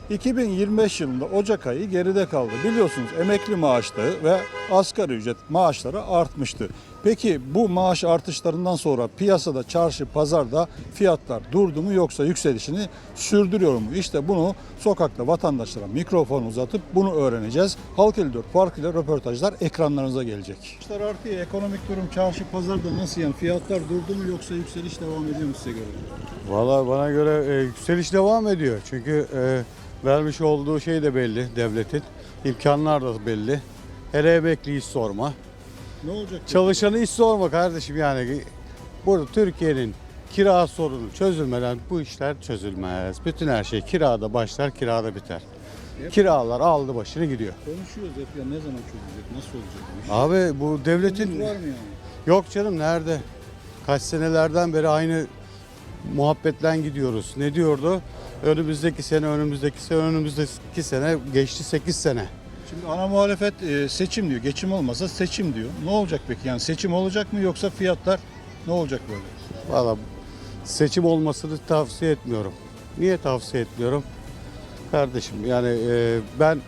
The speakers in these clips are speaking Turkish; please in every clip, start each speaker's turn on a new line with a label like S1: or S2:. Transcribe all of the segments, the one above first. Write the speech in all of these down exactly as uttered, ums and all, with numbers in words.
S1: iki bin yirmi beş yılında Ocak ayı geride kaldı. Biliyorsunuz emekli maaşları ve asgari ücret maaşları artmıştı. Peki bu maaş artışlarından sonra piyasada, çarşı, pazarda fiyatlar durdu mu yoksa yükselişini sürdürüyor mu? İşte bunu sokakta vatandaşlara mikrofon uzatıp bunu öğreneceğiz. Halk elli dört farkıyla röportajlar ekranlarınıza gelecek. İşler artıyor. Ekonomik durum çarşı, pazarda nasıl yani? Fiyatlar durdu mu yoksa yükseliş devam ediyor mu size göre?
S2: Valla bana göre e, yükseliş devam ediyor. Çünkü e, vermiş olduğu şey de belli devletin. İmkanlar da belli. Hele emekli iş sorma.
S1: Ne olacak?
S2: Çalışanı iş sorma kardeşim yani. Burada Türkiye'nin kira sorunu çözülmeden bu işler çözülmez. Bütün her şey kirada başlar, kirada biter.
S1: Hep
S2: Kiralar aldı başını gidiyor.
S1: konuşuyoruz hep ya, ne zaman çözülecek, nasıl olacak bu iş?
S2: Abi bu devletin...
S1: Umut var mı yani?
S2: Yok canım, nerede? Kaç senelerden beri aynı muhabbetten gidiyoruz. Ne diyordu? Önümüzdeki sene, önümüzdeki sene, önümüzdeki sene geçti sekiz sene.
S1: Şimdi ana muhalefet e, seçim diyor. Geçim olmasa seçim diyor. Ne olacak peki? Yani seçim olacak mı yoksa fiyatlar ne olacak böyle?
S2: Valla seçim olmasını tavsiye etmiyorum. Niye tavsiye etmiyorum? Kardeşim yani e, ben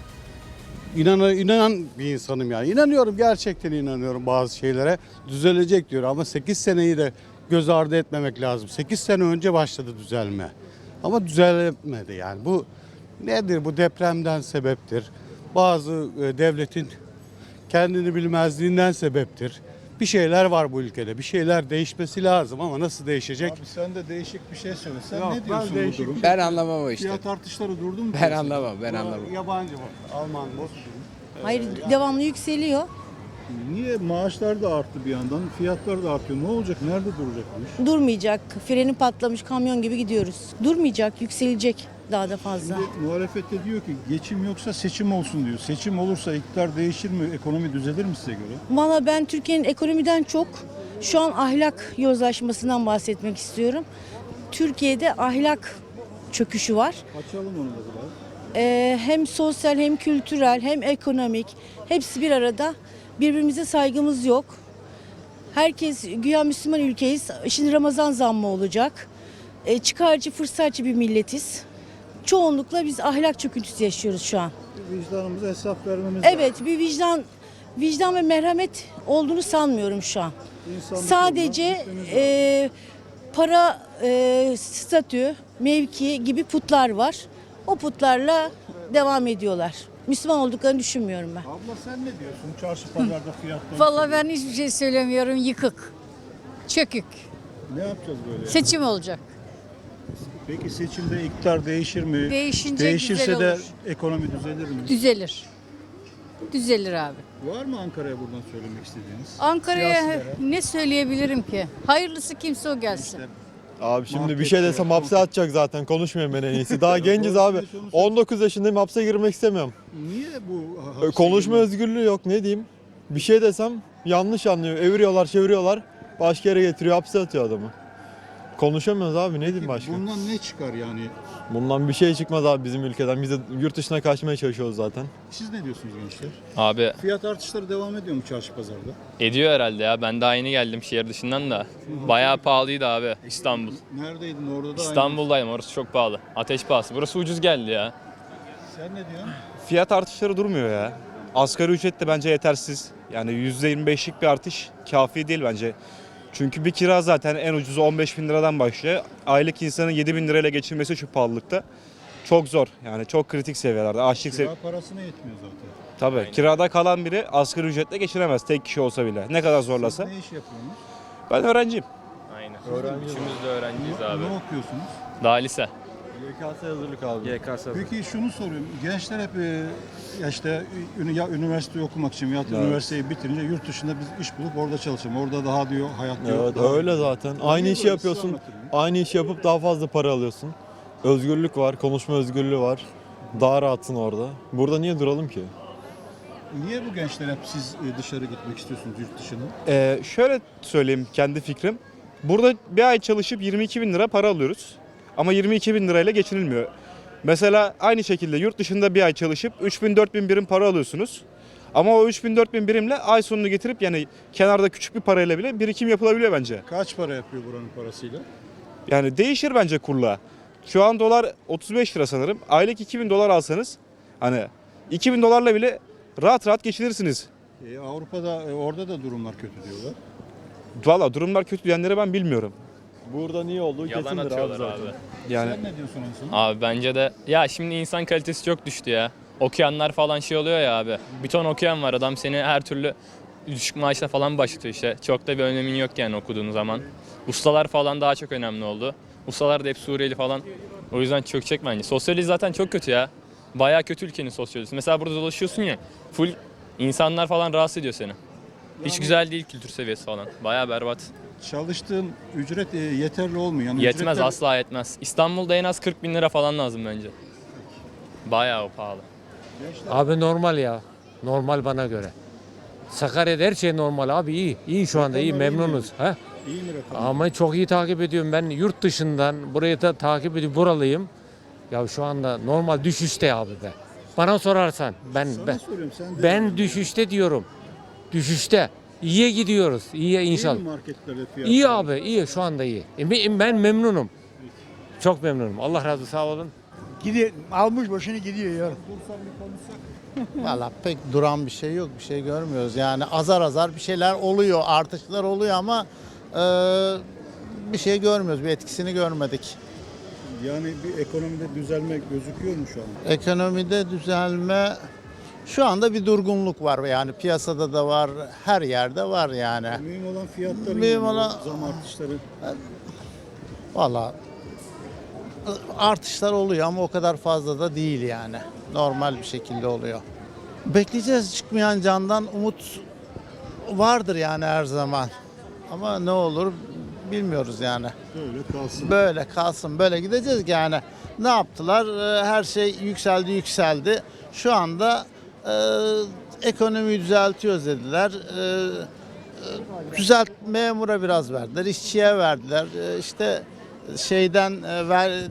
S2: inanan, inanan bir insanım yani. İnanıyorum, gerçekten inanıyorum bazı şeylere. Düzelecek diyor ama sekiz seneyi de göz ardı etmemek lazım. sekiz sene önce başladı düzelme. Ama düzelmedi yani. Bu nedir? Bu depremden sebeptir. Bazı e, devletin kendini bilmezliğinden sebeptir. Bir şeyler var bu ülkede. Bir şeyler değişmesi lazım ama nasıl değişecek?
S1: Abi sen de değişik bir şey söyle. Sen
S2: Yok,
S1: ne
S2: ben
S1: diyorsun bu
S2: değişik
S1: durum?
S3: Ben anlamam o işte.
S1: Fiyat artışları durdu mu?
S3: Ben
S1: piyasada?
S3: anlamam, ben anlamam.
S2: Yabancı mı? Alman mı?
S4: Hayır, devamlı yükseliyor.
S1: Niye maaşlar da arttı bir yandan, fiyatlar da artıyor. Ne olacak? Nerede duracak bu iş?
S4: Durmayacak. Freni patlamış kamyon gibi gidiyoruz. Durmayacak, yükselecek daha da fazla.
S1: Şimdi muhalefet de diyor ki geçim yoksa seçim olsun diyor. Seçim olursa iktidar değişir mi? Ekonomi düzelir mi size göre?
S4: Valla ben Türkiye'nin ekonomiden çok şu an ahlak yozlaşmasından bahsetmek istiyorum. Türkiye'de ahlak çöküşü var.
S1: Açalım onu da biraz.
S4: Ee, hem sosyal hem kültürel hem ekonomik hepsi bir arada. Birbirimize saygımız yok. Herkes güya Müslüman ülkeyiz. Şimdi Ramazan zammı olacak. Ee, çıkarcı, fırsatçı bir milletiz. Çoğunlukla biz ahlak çöküntüsü yaşıyoruz şu an.
S1: Vicdanımıza hesap vermemiz lazım.
S4: Evet, bir vicdan vicdan ve merhamet olduğunu sanmıyorum şu an.
S1: İnsanlık
S4: Sadece
S1: yoluna gitmemiz lazım.
S4: e, para, e, statü, mevki gibi putlar var. O putlarla devam ediyorlar. Müslüman olduklarını düşünmüyorum ben.
S1: Abla sen ne diyorsun? Çarşı pazarda fiyatlar.
S5: Vallahi ben hiçbir şey söylemiyorum. Yıkık. Çökük.
S1: Ne yapacağız böyle?
S5: Seçim olacak.
S1: Peki seçimde iktidar değişir mi?
S5: Değişince
S1: Değişirse
S5: güzel
S1: de
S5: olur.
S1: ekonomi düzelir mi?
S5: Düzelir. Düzelir abi.
S1: Var mı Ankara'ya buradan söylemek istediğiniz?
S5: Ankara'ya
S1: Siyasilere.
S5: ne söyleyebilirim ki? Hayırlısı kimse o gelsin.
S6: Abi şimdi
S1: Muhabbet
S6: bir şey
S1: yok,
S6: desem hapse
S1: muhabbet.
S6: atacak zaten. Konuşmayayım ben en iyisi. Daha genciz
S1: doğru
S6: abi.
S1: söylüyorsunuz.
S6: on dokuz yaşındayım, hapse girmek istemiyorum.
S1: Niye bu
S6: Ö,
S1: hapse
S6: Konuşma
S1: girme-
S6: özgürlüğü yok, ne diyeyim. Bir şey desem yanlış anlıyor. Eviriyorlar, çeviriyorlar. Başka yere getiriyor, hapse atıyor adamı. Konuşamıyoruz abi, ne diyeyim
S1: Peki
S6: başka.
S1: bundan ne çıkar yani?
S6: Bundan bir şey çıkmaz abi bizim ülkeden. Biz de yurt dışına kaçmaya çalışıyoruz zaten.
S1: Siz ne diyorsunuz gençler?
S7: Abi
S1: Fiyat artışları devam ediyor mu çarşı pazarda?
S7: ediyor herhalde ya. Ben daha yeni geldim şehir dışından da. Bayağı pahalıydı abi İstanbul.
S1: Neredeydin orada da?
S7: İstanbul'dayım, orası çok pahalı. Ateş pahası. Burası ucuz geldi ya.
S1: Aynı. Sen ne diyorsun?
S8: Fiyat artışları durmuyor ya. Asgari ücret de bence yetersiz. Yani yüzde yirmi beşlik bir artış kafi değil bence. Çünkü bir kira zaten en ucuzu on beş bin liradan başlıyor. Aylık insanın yedi bin lirayla geçirmesi şu pahalılıkta çok zor. Yani çok kritik seviyelerde. Açlık sev
S1: Kira parasına yetmiyor zaten.
S8: Tabii kirada kalan biri asgari ücretle geçiremez tek kişi olsa bile. Ne kadar zorlasa.
S1: Siz ne iş yapıyorsunuz?
S8: Ben öğrenciyim.
S7: Aynen. Üçümüz de öğrenciyiz abi.
S1: Ne okuyorsunuz?
S7: Daha lise.
S6: Y K S hazırlık abi.
S7: Y K S.
S1: Peki şunu soruyorum. Gençler hep e, ya işte ü- ya üniversite okumak için ya da
S6: Evet.
S1: üniversiteyi bitirince yurt dışında biz iş bulup orada çalışalım. Orada daha diyor hayat diyor.
S6: Evet
S1: daha-
S6: öyle zaten. Aynı
S1: Niye
S6: işi
S1: böyle?
S6: yapıyorsun.
S1: Siz anlatın.
S6: Aynı işi yapıp daha fazla para alıyorsun. Özgürlük var, konuşma özgürlüğü var. Daha rahatsın orada. Burada niye duralım ki?
S1: Niye bu gençler hep siz e, dışarı gitmek istiyorsunuz yurt dışına?
S8: Ee, şöyle söyleyeyim kendi fikrim. Burada bir ay çalışıp yirmi iki bin lira para alıyoruz. Ama yirmi iki bin lirayla geçinilmiyor. Mesela aynı şekilde yurt dışında bir ay çalışıp üç bin dört bin birim para alıyorsunuz. Ama o üç bin dört bin birimle ay sonunu getirip yani kenarda küçük bir parayla bile birikim yapılabiliyor bence.
S1: Kaç para yapıyor buranın parasıyla?
S8: Yani değişir bence kurla. Şu an dolar otuz beş lira sanırım. Aylık iki bin dolar alsanız hani iki bin dolarla bile rahat rahat geçinirsiniz.
S1: E, Avrupa'da e, orada da durumlar kötü diyorlar.
S8: Valla durumlar kötü diyenleri ben bilmiyorum.
S6: Burada niye olduğu
S7: Yalan
S6: kesindir abi
S7: atıyorlar
S6: zaten.
S7: abi.
S8: Yani
S1: Sen ne diyorsun en son?
S7: Abi bence de ya şimdi insan kalitesi çok düştü ya. Okuyanlar falan şey oluyor ya abi. Bir ton okuyan var, adam seni her türlü düşük maaşla falan başlatıyor işte. Çok da bir önemin yok yani okuduğun zaman. Ustalar falan daha çok önemli oldu. Ustalar da hep Suriyeli falan. O yüzden çökecek bence. Sosyoloji zaten çok kötü ya. Bayağı kötü ülkenin sosyolojisi. Mesela burada dolaşıyorsun ya, full insanlar falan rahatsız ediyor seni. Hiç güzel değil kültür seviyesi falan. Bayağı berbat.
S1: Çalıştığın ücret e, yeterli olmuyor. Yani
S7: Yetmez,
S1: ücretler-
S7: asla yetmez. İstanbul'da en az kırk bin lira falan lazım bence. Bayağı pahalı.
S3: Abi normal ya. Normal bana göre. Sakarya'da her şey normal abi, iyi. İyi şu anda, iyi,
S1: Rakamlar iyi mi?
S3: memnunuz. Ha?
S1: İyi mi rakam?
S3: Ama çok iyi takip ediyorum. Ben yurt dışından burayı da takip ediyorum. Buralıyım. Ya şu anda normal düşüşte abi be. Bana sorarsan ben
S1: Sana
S3: ben,
S1: soruyorum, sen de
S3: ben düşüşte diyorum. Düşüşte. İyiye gidiyoruz. İyiye
S1: İyi mi
S3: inşallah.
S1: marketlerde fiyatlar?
S3: İyi abi, iyi şu anda iyi. E, ben ben memnunum. Çok memnunum. Allah razı olsun, sağ olun.
S9: Gidiyor, almış başını gidiyor ya.
S10: Valla pek duran bir şey yok, bir şey görmüyoruz. Yani azar azar bir şeyler oluyor, artışlar oluyor ama e, bir şey görmüyoruz, bir etkisini görmedik.
S1: Yani bir ekonomide düzelme gözüküyor mu şu an?
S10: Ekonomide düzelme, şu anda bir durgunluk var yani piyasada da var, her yerde var yani.
S1: Mühim olan fiyatların
S10: Mühim
S1: yani,
S10: olan-
S1: zam artışları.
S10: Valla artışlar oluyor ama o kadar fazla da değil yani. Normal bir şekilde oluyor. Bekleyeceğiz, çıkmayan candan umut vardır yani her zaman. Ama ne olur bilmiyoruz yani.
S1: Böyle kalsın.
S10: Böyle kalsın, böyle gideceğiz ki yani. Ne yaptılar? Ee, Her şey yükseldi, yükseldi. Şu anda e, ekonomiyi düzeltiyoruz dediler. E, e, düzelt memura biraz verdiler, işçiye verdiler. E, işte şeyden e, ver, e,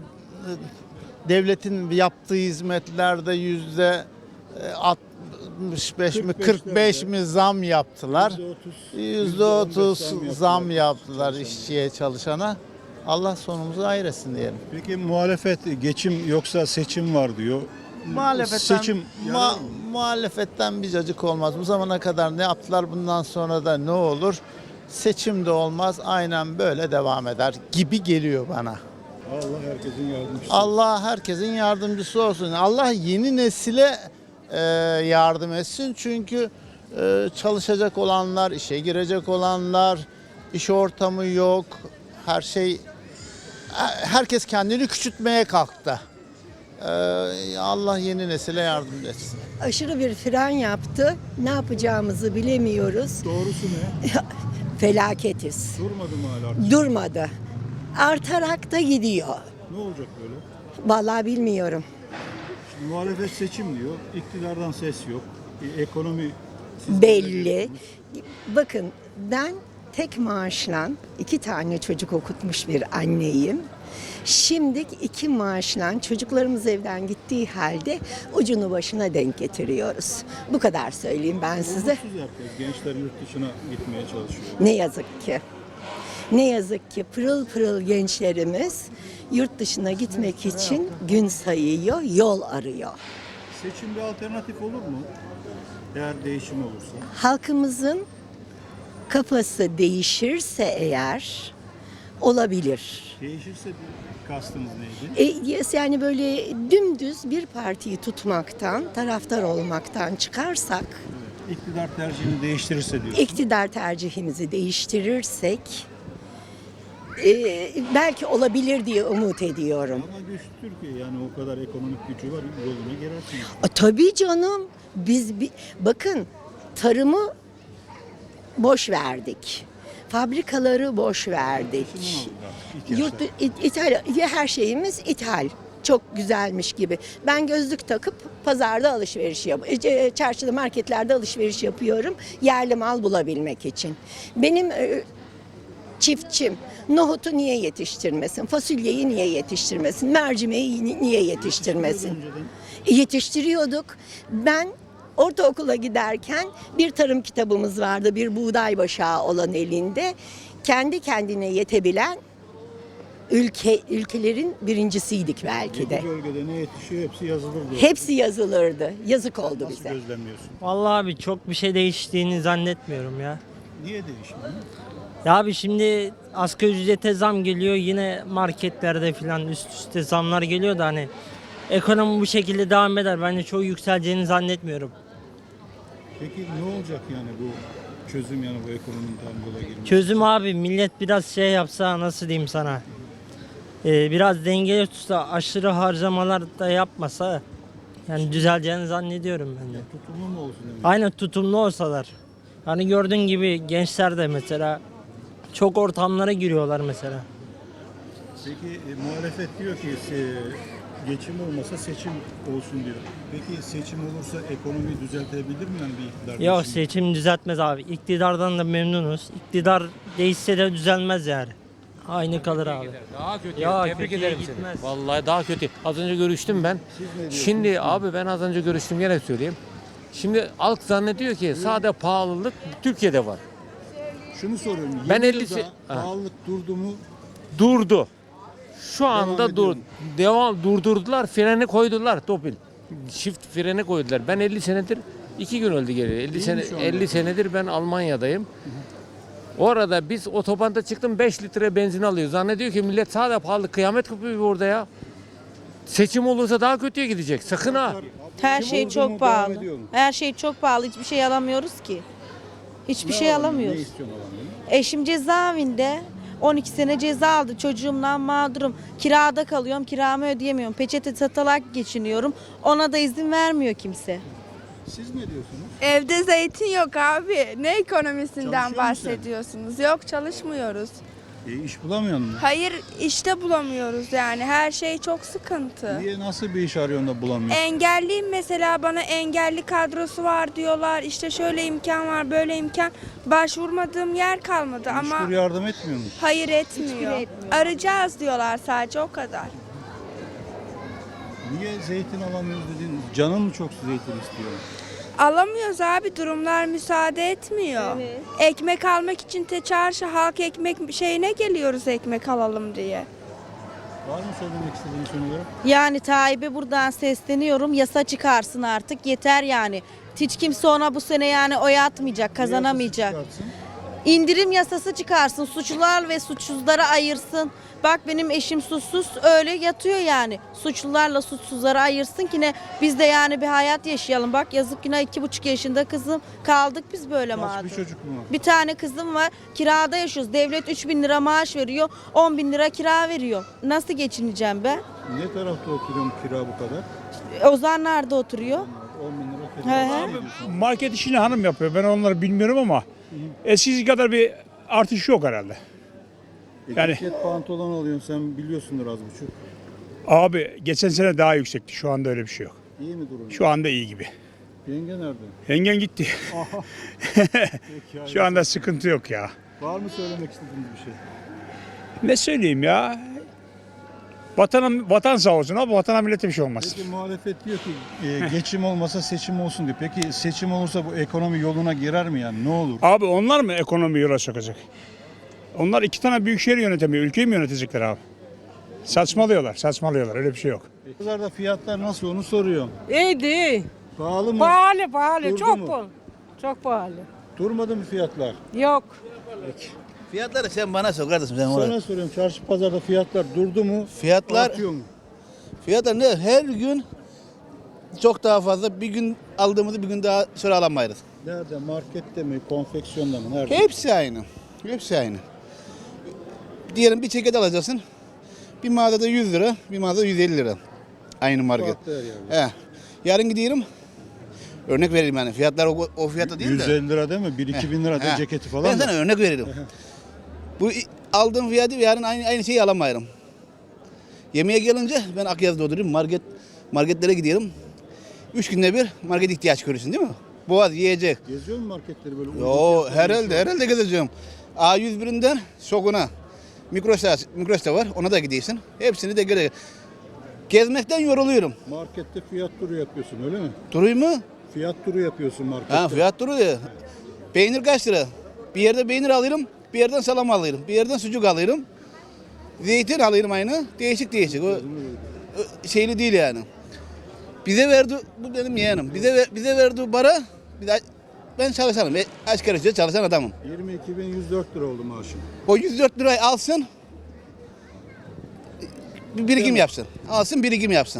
S10: devletin yaptığı hizmetlerde yüzde e, altmış beş mi kırk beş mi zam yaptılar. yüzde otuz zam yaptılar işçiye, çalışana. Allah sonumuzu hayretsin diyelim.
S1: Peki muhalefet geçim yoksa seçim var diyor.
S10: Muhalefetten,
S1: Seçim
S10: ma-
S1: yarar mı?
S10: muhalefetten bir cacık olmaz. Bu zamana kadar ne yaptılar, bundan sonra da ne olur? Seçim de olmaz, aynen böyle devam eder gibi geliyor bana.
S1: Allah herkesin yardımcısı.
S10: Allah herkesin yardımcısı olsun. Allah yeni nesile e, yardım etsin. Çünkü e, çalışacak olanlar, işe girecek olanlar, iş ortamı yok. Her şey, herkes kendini küçültmeye kalktı. E, Allah yeni nesile yardım etsin.
S11: Aşırı bir fren yaptı. Ne yapacağımızı bilemiyoruz.
S1: Doğrusu ne?
S11: Felaketiz.
S1: Durmadı mı hala artık?
S11: Durmadı. Artarak da gidiyor.
S1: Ne olacak böyle?
S11: Vallahi bilmiyorum.
S1: Şimdi muhalefet seçim diyor. İktidardan ses yok. E, ekonomi siz
S11: Belli. Bakın ben tek maaşla iki tane çocuk okutmuş bir anneyim. Şimdi iki maaşla çocuklarımız evden gittiği halde ucunu başına denk getiriyoruz. Bu kadar söyleyeyim ben size.
S1: Umutsuz herkes. Gençler yurt dışına gitmeye çalışıyor.
S11: Ne yazık ki. Ne yazık ki pırıl pırıl gençlerimiz yurt dışına gitmek için gün sayıyor, yol arıyor.
S1: Seçim bir alternatif olur mu? Eğer değişim olursa.
S11: Halkımızın kafası değişirse eğer olabilir.
S1: Değişirse bir kastınız neydi?
S11: E, yani böyle dümdüz bir partiyi tutmaktan, taraftar olmaktan çıkarsak,
S1: İktidar tercihini değiştirirse diyorsun.
S11: iktidar tercihimizi değiştirirsek e, belki olabilir diye umut ediyorum.
S1: Ama güçlü Türkiye, yani o kadar ekonomik gücü var, yoluna girersiniz.
S11: A, tabii canım. Biz bi- bakın tarımı boş verdik. Fabrikaları boş verdik.
S1: Şimdi ne oldu artık? İlk
S11: Yurt
S1: yaşta.
S11: it- ithal her şeyimiz ithal. Çok güzelmiş gibi. Ben gözlük takıp pazarda alışveriş yap, e, çarşıda, marketlerde alışveriş yapıyorum. Yerli mal bulabilmek için. Benim e, çiftçim nohutu niye yetiştirmesin? Fasulyeyi niye yetiştirmesin? Mercimeği ni- niye yetiştirmesin?
S1: Önceden
S11: E, Yetiştiriyorduk. Ben ortaokula giderken bir tarım kitabımız vardı. Bir buğday başağı olan elinde. Kendi kendine yetebilen ülke ülkelerin birincisiydik belki de.
S1: Bu bölgede ne yetişiyor hepsi yazılır diyor.
S11: Hepsi yazılırdı. Yazık oldu
S1: Nasıl
S11: bize.
S1: gözlemliyorsun?
S12: Vallahi abi çok bir şey değiştiğini zannetmiyorum ya.
S1: Niye değişmiyor?
S12: Ya abi şimdi asgari ücrete zam geliyor, yine marketlerde falan üst üste zamlar geliyor da hani ekonomi bu şekilde devam eder. Bence çok yükseleceğini zannetmiyorum.
S1: Peki ne olacak yani bu çözüm, yani bu ekonominin tam yola girmesi?
S12: Çözüm abi millet biraz şey yapsa, nasıl diyeyim sana, Ee, biraz dengeli tutsa, aşırı harcamalar da yapmasa yani düzeleceğini zannediyorum ben de.
S1: Tutumlu mu olsun demek?
S12: Aynen, tutumlu olsalar. Hani gördüğün gibi gençler de mesela çok ortamlara giriyorlar mesela.
S1: Peki e, muhalefet diyor ki e, geçim olmasa seçim olsun diyor. Peki seçim olursa ekonomiyi düzeltebilir mi yani bir iktidar?
S12: Yok,
S1: değişimi?
S12: seçim düzeltmez abi. İktidardan da memnunuz. İktidar değişse de düzelmez yani. Aynı kalır abi.
S3: Daha kötü.
S12: Ya,
S3: Tebrik
S12: kötüye
S3: ederim
S12: gitmez.
S3: seni. Vallahi daha kötü. Az önce görüştüm ben. Şimdi abi ben az önce görüştüm, gene söyleyeyim. Şimdi halk zannediyor ki sade pahalılık Türkiye'de var.
S1: Şunu soruyorum.
S3: Ben
S1: yeni
S3: elli
S1: yılda
S3: se- Ha.
S1: pahalılık durdu mu?
S3: Durdu. Şu anda
S1: ediyor
S3: dur
S1: mu?
S3: devam durdurdular, freni koydular topil. Çift freni koydular. Ben elli senedir iki gün öldü geliyor. elli
S1: mi
S3: sene
S1: şu anda?
S3: elli senedir ben Almanya'dayım. Orada biz otobanda çıktım, beş litre benzin alıyor. Zannediyor ki millet sade pahalı, kıyamet kopuyor orada ya. Seçim olursa daha kötüye gidecek. Sakın ha.
S4: Her
S1: Kim
S4: şey
S1: oldu
S4: çok
S1: mu,
S4: pahalı.
S1: devam ediyor mu?
S4: Her şey çok pahalı. Hiçbir şey alamıyoruz ki. Hiçbir şey
S1: alamıyor?
S4: alamıyoruz.
S1: Ne istiyorsun alamıyor?
S4: Eşim cezaevinde. on iki sene ceza aldı. Çocuğumdan mağdurum. Kirada kalıyorum. Kiramı ödeyemiyorum. Peçete satarak geçiniyorum. Ona da izin vermiyor kimse.
S1: Siz ne diyorsunuz?
S5: Evde zeytin yok abi. Ne ekonomisinden
S1: Çalışıyor musun
S5: bahsediyorsunuz? Yok, çalışmıyoruz.
S1: E, iş bulamıyor musun?
S5: Hayır, işte bulamıyoruz yani. Her şey çok sıkıntı.
S1: Niye, nasıl bir iş arıyorsun da bulamıyorsun?
S5: Engelliyim mesela, bana engelli kadrosu var diyorlar. İşte şöyle imkan var, böyle imkan. Başvurmadığım yer kalmadı ama
S1: Müşkür yardım etmiyor mu?
S5: hayır etmiyor. Arayacağız diyorlar sadece, o kadar.
S1: Niye zeytin alamıyoruz dedin? Canın mı çok zeytin istiyor?
S5: Alamıyoruz abi, durumlar müsaade etmiyor. Ekmek almak için te çarşı halk ekmek şeyine geliyoruz ekmek alalım diye.
S1: Var mı söylemek istediğin son olarak?
S4: Yani Tayyip'e buradan sesleniyorum. Yasa çıkarsın artık. Yeter yani. Hiç kimse ona bu sene yani oy atmayacak, kazanamayacak.
S1: Yasası çıkartsın.
S4: İndirim yasası çıkarsın. Suçlular ve suçsuzları ayırsın. Bak benim eşim suçsuz, öyle yatıyor yani. Suçlularla suçsuzları ayırsın ki ne biz de yani bir hayat yaşayalım. Bak yazık, yine iki buçuk yaşında kızım, kaldık biz böyle
S1: Kaç
S4: mağdur.
S1: bir çocuk mu var?
S4: Bir tane kızım var, kirada yaşıyoruz. Devlet üç bin lira maaş veriyor, on bin lira kira veriyor. Nasıl geçineceğim ben?
S1: Ne tarafta oturuyorum kira bu kadar?
S4: Ozanlar'da oturuyor.
S1: on bin lira
S4: He
S1: kira.
S4: he.
S1: Ne diyorsun?
S9: Market işini hanım yapıyor. Ben onları bilmiyorum ama eskisi kadar bir artış yok herhalde. Yani-
S1: Ceket pantolon alıyorsun, sen biliyorsundur az buçuk.
S9: Abi geçen sene daha yüksekti. Şu anda öyle bir şey yok.
S1: İyi mi durum?
S9: Şu anda iyi gibi.
S1: Yenge nerede?
S9: Yengen gitti.
S1: Peki,
S9: Şu anda sıkıntı yok ya.
S1: var mı söylemek istediğiniz bir şey?
S9: Ne söyleyeyim ya? Vatan, vatan sağ olsun ama vatana millete bir şey olmaz.
S1: Peki muhalefet diyor ki e, geçim olmasa seçim olsun diyor. Peki seçim olursa bu ekonomi yoluna girer mi yani? Ne olur?
S9: Abi onlar mı ekonomiyi yola sokacak? Onlar iki tane büyük şehir yönetemiyor. Ülkeyi mi yönetecekler abi? Saçmalıyorlar, saçmalıyorlar. Öyle bir şey yok.
S1: Pazarda fiyatlar nasıl onu soruyorum.
S12: İyiydi.
S1: Pahalı mı?
S12: Pahalı pahalı.
S1: Durdu
S12: çok
S1: mu?
S12: pahalı. Çok pahalı.
S1: Durmadı mı fiyatlar?
S12: Yok.
S10: Fiyatları sen bana sor kardeşim sen oraya.
S1: Sana soruyorum, çarşı pazarda fiyatlar durdu mu?
S10: Fiyatlar
S1: Artıyor mu?
S10: fiyatlar ne? Her gün çok daha fazla. Bir gün aldığımızı bir gün daha sonra alamayız.
S1: Nerede? Markette mi? Konfeksiyonda mı? Nerede?
S10: Hepsi aynı. Hepsi aynı. Diyelim bir ceket alacaksın. Bir mağazada yüz lira, bir mağazada yüz elli lira. Aynı market.
S1: Farklı her yerde.
S10: He. Yarın gidiyorum. Örnek vereyim yani. Fiyatlar o, o fiyata değil de.
S1: yüz elli lira değil mi? bir iki bin lira da
S10: He.
S1: ceketi falan
S10: Ben
S1: da.
S10: sana örnek veririm. Bu i- aldığım fiyatı yarın aynı, aynı şeyi alamayırım. Yemeğe gelince ben Akyaz'da oturuyorum. Market, marketlere gidiyorum. Üç günde bir market ihtiyaç görürsün değil mi? Boğaz, yiyecek.
S1: Geziyor mu marketleri böyle?
S10: Yo
S1: ucuz fiyatlara
S10: herhalde
S1: geçiyor?
S10: herhalde gezeceğim. A yüz birinden Şokun'a. Mikros'ta, Mikros'ta var. Ona da gidiyorsun. Hepsini de göre. Gezmekten yoruluyorum.
S1: Markette fiyat turu yapıyorsun öyle mi?
S10: Duruyum mu?
S1: Fiyat turu yapıyorsun markette.
S10: Ha fiyat duruyor. Peynir kaç lira? Bir yerde peynir alıyorum. Bir yerden salam alıyorum. Bir yerden sucuk alıyorum.
S13: Zeytin alıyorum aynı. Değişik değişik. O, o şeyli değil yani. Bize verdi, bu benim yeğenim. Bize ver- bize verdiği para, bir de ben çalışanım. Ben asgari ücret çalışan adamım.
S1: yirmi iki bin yüz dört lira oldu maaşın.
S13: O yüz dört lirayı alsın, bir birikim yapsın. Alsın, birikim yapsın.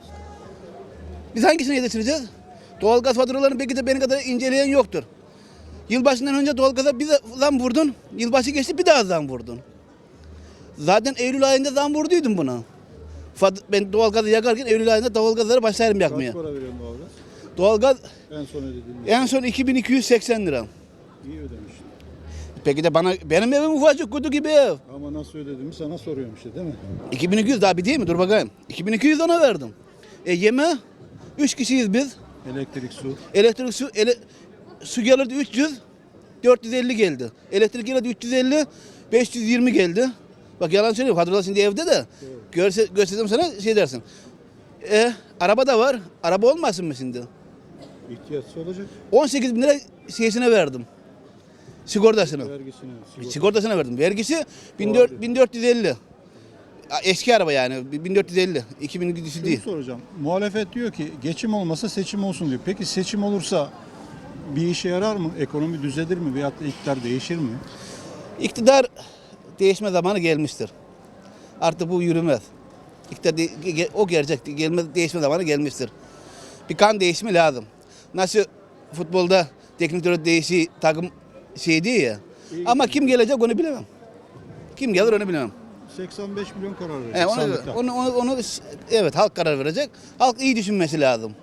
S13: Biz hangisini yetiştireceğiz? Doğalgaz faturalarını belki de benim kadar inceleyen yoktur. Yılbaşından önce doğalgaza bir zam vurdun, yılbaşı geçti bir daha zam vurdun. Zaten Eylül ayında zam vurduydum buna. Fat- Ben doğalgazı yakarken Eylül ayında doğalgazları başlarım yakmaya.
S1: Kaç para veriyorsun doğalgaz?
S13: Doğalgaz
S1: En son ödediğin
S13: en son iki bin iki yüz seksen lira.
S1: iyi ödemiştin.
S13: Peki de bana benim evim ufacık kutu gibi ev.
S1: Ama nasıl ödediğimi sana soruyorum işte değil mi?
S13: iki bin iki yüz daha bir değil mi? Dur bakayım. iki bin iki yüz ona verdim. E yeme üç kişiyiz biz.
S1: Elektrik, su.
S13: Elektrik su ele, su gelirdi üç yüz, dört yüz elli geldi. Elektrik gelirdi üç yüz elli, beş yüz yirmi geldi. Bak yalan söylüyorum. Hatırla şimdi evde de. Görse, göstersem sana şey dersin. E, araba da var. Araba olmasın mı şimdi?
S1: İhtiyaçsı olacak.
S13: on sekiz bin lira şeysine verdim. Sigortasını.
S1: Vergisini. sigorta.
S13: Sigortasına verdim. Vergisi bin dört yüz elli. Eski araba yani bin dört yüz elli. iki bin iki yüz
S1: Şunu
S13: değil.
S1: soracağım. Muhalefet diyor ki geçim olmasa seçim olsun diyor. Peki seçim olursa bir işe yarar mı? Ekonomi düzelir mi? Veyahut da iktidar değişir mi?
S13: İktidar değişme zamanı gelmiştir. Artık bu yürümez. İktidar de- ge- o gerçek gelme, değişme zamanı gelmiştir. Bir kan değişimi lazım. Nasıl futbolda teknik direktör değişi takım şey değil ya. Ama kim gelecek onu bilemem. Kim gelir onu bilemem.
S1: seksen beş milyon karar verecek
S13: E, onu,
S1: sandıkta.
S13: onu, onu, onu, evet halk karar verecek. Halk iyi düşünmesi lazım.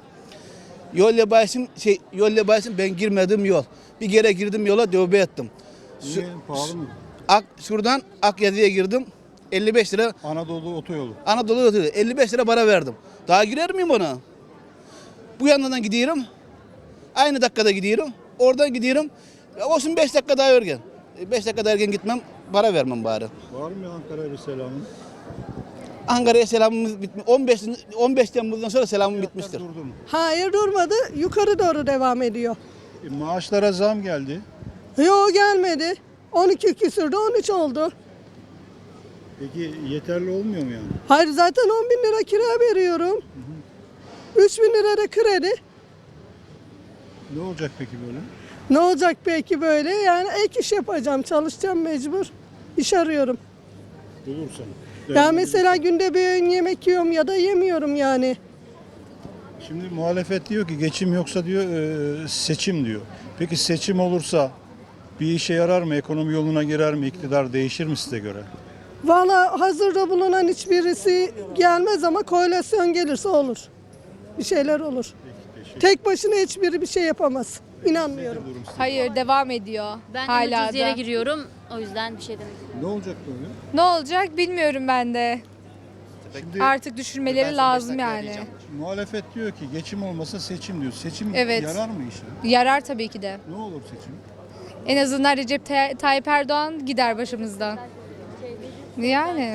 S13: Yol yabaysın, şey, yol yabaysın ben girmedim yol. Bir kere girdim yola tövbe ettim.
S1: Niye? Pahalı mı?
S13: Ak, şuradan Akyazı'ya girdim. elli beş lira
S1: Anadolu otoyolu.
S13: Anadolu yolu, elli beş lira para verdim. Daha girer miyim ona? Bu yandan gidiyorum. Aynı dakikada gidiyorum. Oradan gidiyorum. Ya olsun beş dakika daha erken. beş dakika daha erken gitmem, para vermem bari.
S1: Var mı Ankara'ya bir selamın?
S13: Ankara'ya selamımız bitmiş. on beş on beş Temmuz'dan sonra selamım bitmiştir.
S1: Durdu mu?
S14: Hayır durmadı. Yukarı doğru devam ediyor.
S1: E, maaşlara zam geldi.
S14: Yok gelmedi. on iki küsürdü on üç oldu.
S1: Peki yeterli olmuyor mu yani?
S14: Hayır zaten on bin lira kira veriyorum. üç bin lira da kredi.
S1: Ne olacak peki böyle?
S14: Ne olacak peki böyle? Yani ek iş yapacağım, çalışacağım mecbur. İş arıyorum.
S1: Bulursan.
S14: Ya mesela günde bir öğün yemek yiyorum ya da yemiyorum yani.
S1: Şimdi muhalefet diyor ki geçim yoksa diyor e, seçim diyor. Peki seçim olursa bir işe yarar mı? Ekonomi yoluna girer mi? İktidar değişir mi size göre?
S14: Valla hazırda bulunan hiçbirisi gelmez ama koalisyon gelirse olur. Bir şeyler olur. Tek başına hiçbiri bir şey yapamaz. İnanmıyorum.
S15: Hayır devam ediyor.
S16: Ben
S15: hala
S16: en ucuz yere
S15: da.
S16: giriyorum. O yüzden bir şey demek istemiyorum.
S1: Ne olacak böyle?
S15: Ne olacak bilmiyorum ben de.
S1: Şimdi
S15: Artık düşürmeleri lazım yani.
S1: muhalefet diyor ki geçim olmasa seçim diyor. Seçim
S15: Evet.
S1: yarar mı işe?
S15: Yarar tabii ki de.
S1: Ne olur seçim?
S15: En azından Recep Tay- Tayyip Erdoğan gider başımızdan. Yani.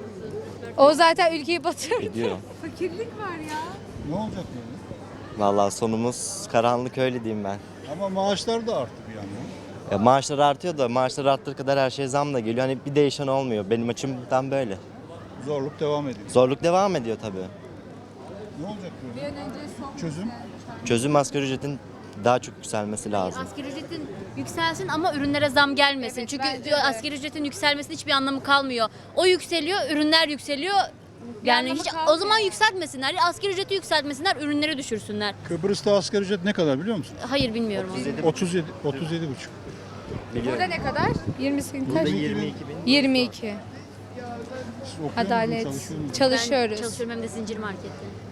S15: O zaten ülkeyi batırdı.
S17: Gidiyor.
S15: Fakirlik var ya.
S1: Ne olacak böyle?
S17: Vallahi sonumuz karanlık öyle diyeyim ben.
S1: Ama maaşlar da arttı bir yandan.
S17: Ya maaşlar artıyor da maaşlar arttığı kadar her şey zam da geliyor. Hani bir değişen olmuyor. Benim açımdan böyle.
S1: Zorluk devam ediyor.
S17: Zorluk devam ediyor tabii.
S1: Ne olacak böyle? Çözüm?
S17: Çözüm asgari ücretin daha çok yükselmesi lazım.
S16: Asgari ücretin yükselsin ama ürünlere zam gelmesin. Çünkü asgari ücretin yükselmesinin hiçbir anlamı kalmıyor. O yükseliyor, ürünler yükseliyor. Yani
S15: anlamı
S16: hiç
S15: kalmıyor.
S16: o zaman yükseltmesinler. Asgari ücreti yükseltmesinler, ürünleri düşürsünler.
S1: Kıbrıs'ta asgari ücret ne kadar biliyor musun?
S16: Hayır bilmiyorum.
S1: otuz yedi otuz yedi buçuk.
S15: Burada ne kadar? yirmi sekiz
S17: Burada
S15: kaç?
S17: yirmi iki bin.
S15: yirmi iki.
S1: Siz okuyor musunuz,
S15: Adalet.
S1: çalışıyor musunuz?
S15: Çalışıyoruz.
S16: Ben çalışıyorum hem de zincir markette.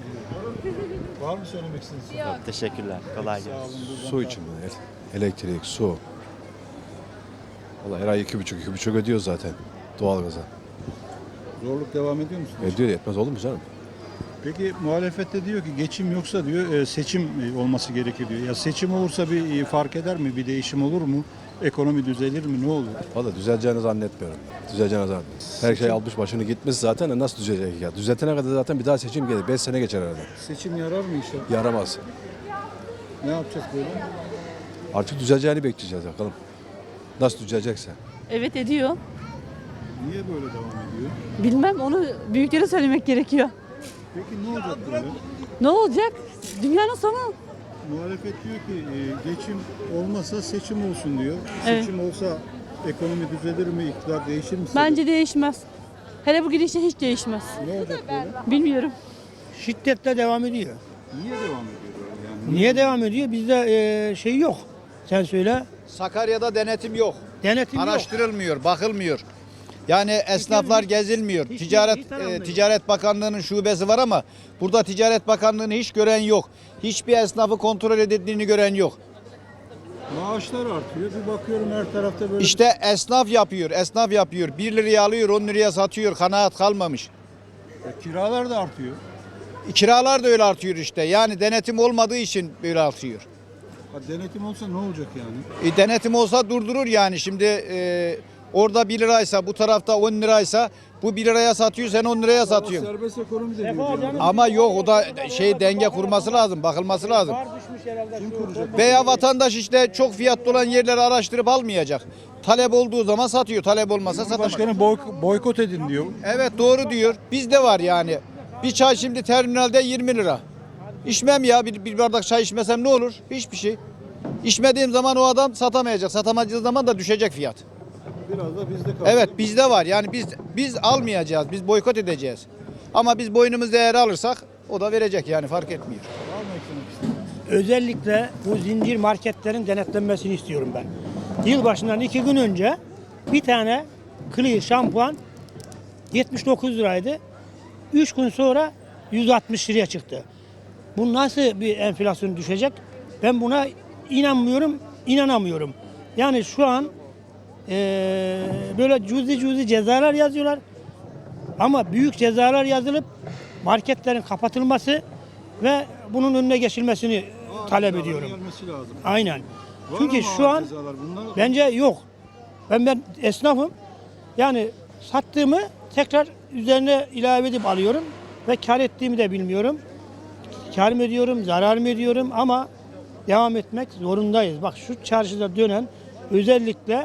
S1: Var mı söylemek istediğiniz?
S17: Çok teşekkürler. Kolay gelsin.
S1: Sağ olun. buradan
S18: Su için mi? Elektrik, su. Vallahi her ay iki buçuk, iki buçuk ödüyor zaten doğalgaza.
S1: Zorluk devam ediyor musunuz?
S18: Ödüyor yetmez olur mu canım?
S1: Peki muhalefette diyor ki geçim yoksa diyor e, seçim e, olması gerekir diyor. Ya seçim olursa bir e, fark eder mi? Bir değişim olur mu? Ekonomi düzelir mi? Ne olur?
S18: Vallahi düzeleceğini zannetmiyorum. Düzeleceğini zannetmiyorum. Her şey almış başını gitmiş zaten de nasıl düzelecek ya? Düzeltene kadar zaten bir daha seçim gelir. beş sene geçer herhalde.
S1: Seçim yarar mı işe?
S18: Yaramaz.
S1: Ne yapacak böyle?
S18: Artık düzeleceğini bekleyeceğiz bakalım. Nasıl düzelecekse.
S19: Evet ediyor.
S1: Niye böyle devam ediyor?
S19: Bilmem, onu büyüklere söylemek gerekiyor.
S1: Peki ne olacak böyle?
S19: Ne olacak? Dünyanın sonu.
S1: Muhalefet diyor ki e, geçim olmasa seçim olsun diyor.
S19: Evet.
S1: Seçim olsa ekonomi düzelir mi, iktidar değişir mi?
S19: Bence değişmez. Hele bu gidişle hiç değişmez.
S1: Ne olacak böyle?
S19: Bilmiyorum.
S20: Şiddetle devam ediyor.
S1: Niye devam ediyor böyle? Yani
S20: Niye devam ediyor? Bizde e, şey yok. Sen söyle.
S21: Sakarya'da denetim yok.
S20: Denetim yok.
S21: Araştırılmıyor, bakılmıyor. Yani esnaflar gezilmiyor. Ticaret e, Ticaret Bakanlığı'nın şubesi var ama burada Ticaret Bakanlığı'nı hiç gören yok. Hiçbir esnafı kontrol edildiğini gören yok.
S1: maaşlar artıyor. Bir bakıyorum her tarafta böyle.
S21: İşte esnaf yapıyor, esnaf yapıyor. bir liraya alıyor, on liraya satıyor. Kanaat kalmamış.
S1: E, kiralar da artıyor.
S21: Kiralar da öyle artıyor işte. Yani denetim olmadığı için böyle artıyor.
S1: Ha, denetim olsa ne olacak yani?
S21: E, denetim olsa durdurur yani. Şimdi e, orada bir liraysa, bu tarafta on liraysa, bu bir liraya satıyor, sen on liraya satıyorsun.
S1: Serbest ekonomi de diyor.
S21: Ama yok, o da şey denge kurması lazım, bakılması lazım.
S1: Kim kuracak?
S21: Veya vatandaş işte çok fiyatlı olan yerleri araştırıp almayacak. Talep olduğu zaman satıyor, talep olmasa satamaz.
S1: Başkanı boy- boykot edin diyor.
S21: Evet, doğru diyor. Bizde var yani. Bir çay şimdi terminalde yirmi lira. İçmem ya, bir, bir bardak çay içmesem ne olur? Hiçbir şey. İçmediğim zaman o adam satamayacak. Satamadığı zaman da düşecek fiyat.
S1: Biraz da bizde kaldı.
S21: Evet, bizde var. Yani biz biz almayacağız. Biz boykot edeceğiz. Ama biz boynumuz değer alırsak o da verecek yani, fark etmiyor.
S20: Özellikle bu zincir marketlerin denetlenmesini istiyorum ben. Yılbaşından iki gün önce bir tane Clear şampuan yetmiş dokuz liraydı. üç gün sonra yüz altmış liraya çıktı. Bu nasıl bir enflasyon düşecek? Ben buna inanmıyorum, inanamıyorum. Yani şu an eee, böyle cüzi cüzi cezalar yazıyorlar. Ama büyük cezalar yazılıp marketlerin kapatılması ve bunun önüne geçilmesini talep ediyorum.
S1: Gelmesi lazım.
S20: Aynen.
S1: Var
S20: Çünkü
S1: ama
S20: şu an
S1: cezalar. Bunlar-
S20: bence yok. Ben ben esnafım. Yani sattığımı tekrar üzerine ilave edip alıyorum ve kar ettiğimi de bilmiyorum. Kar mı ediyorum, zarar mı ediyorum ama devam etmek zorundayız. Bak şu çarşıda dönen özellikle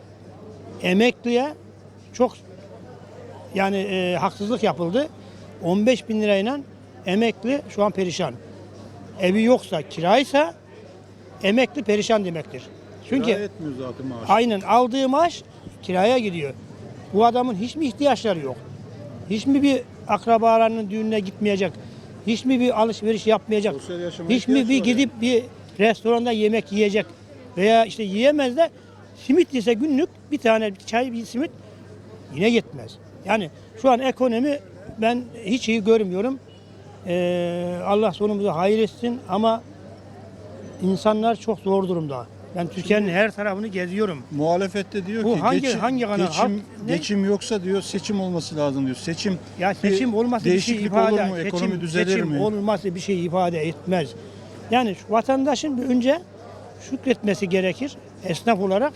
S20: emekliye çok yani e, haksızlık yapıldı. on beş bin lirayla emekli şu an perişan. Evi yoksa, kiraysa emekli perişan demektir. Çünkü
S1: Kira etmiyor zaten maaş.
S20: aynen aldığı maaş kiraya gidiyor. Bu adamın hiç mi ihtiyaçları yok? Hiç mi bir akrabalarının düğününe gitmeyecek? Hiç mi bir alışveriş yapmayacak?
S1: Sosyal yaşama
S20: Hiç mi
S1: ihtiyaç
S20: bir
S1: var
S20: gidip bir restoranda yemek yiyecek? Veya işte yiyemez de simit yese günlük bir tane bir çay bir simit yine yetmez. Yani şu an ekonomi ben hiç iyi görmüyorum. Ee, Allah sonumuzu hayır etsin ama insanlar çok zor durumda. Ben Türkiye'nin her tarafını geziyorum.
S1: Muhalefette diyor
S20: Bu
S1: ki
S20: hangi-
S1: geçim,
S20: hangi kanal?
S1: geçim,
S20: Halk ne?
S1: geçim yoksa diyor seçim olması lazım diyor. Seçim
S20: Ya seçim
S1: bir
S20: olması bir şey
S1: değişiklik
S20: ifade
S1: olur mu? Ekonomi
S20: seçim,
S1: düzelir
S20: seçim
S1: mi?
S20: olması bir şey ifade etmez. Yani şu vatandaşın bir önce şükretmesi gerekir esnaf olarak.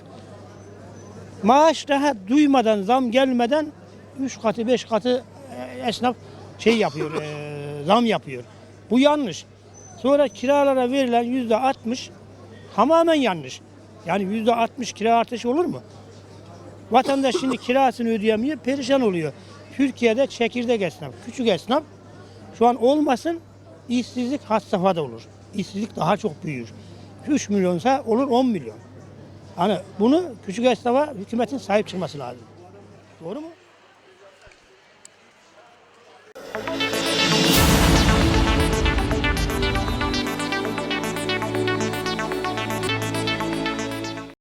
S20: Maaş daha duymadan, zam gelmeden üç katı, beş katı e, esnaf şey yapıyor, e, zam yapıyor. Bu yanlış. Sonra kiralara verilen yüzde altmış tamamen yanlış. Yani yüzde altmış kira artışı olur mu? Vatandaş şimdi kirasını ödeyemiyor, perişan oluyor. Türkiye'de çekirdek esnaf, küçük esnaf şu an olmasın, işsizlik had safhada olur. İşsizlik daha çok büyür. üç milyonsa olur on milyon. Hani bunu küçük esnafa hükümetin sahip çıkması lazım. Doğru mu?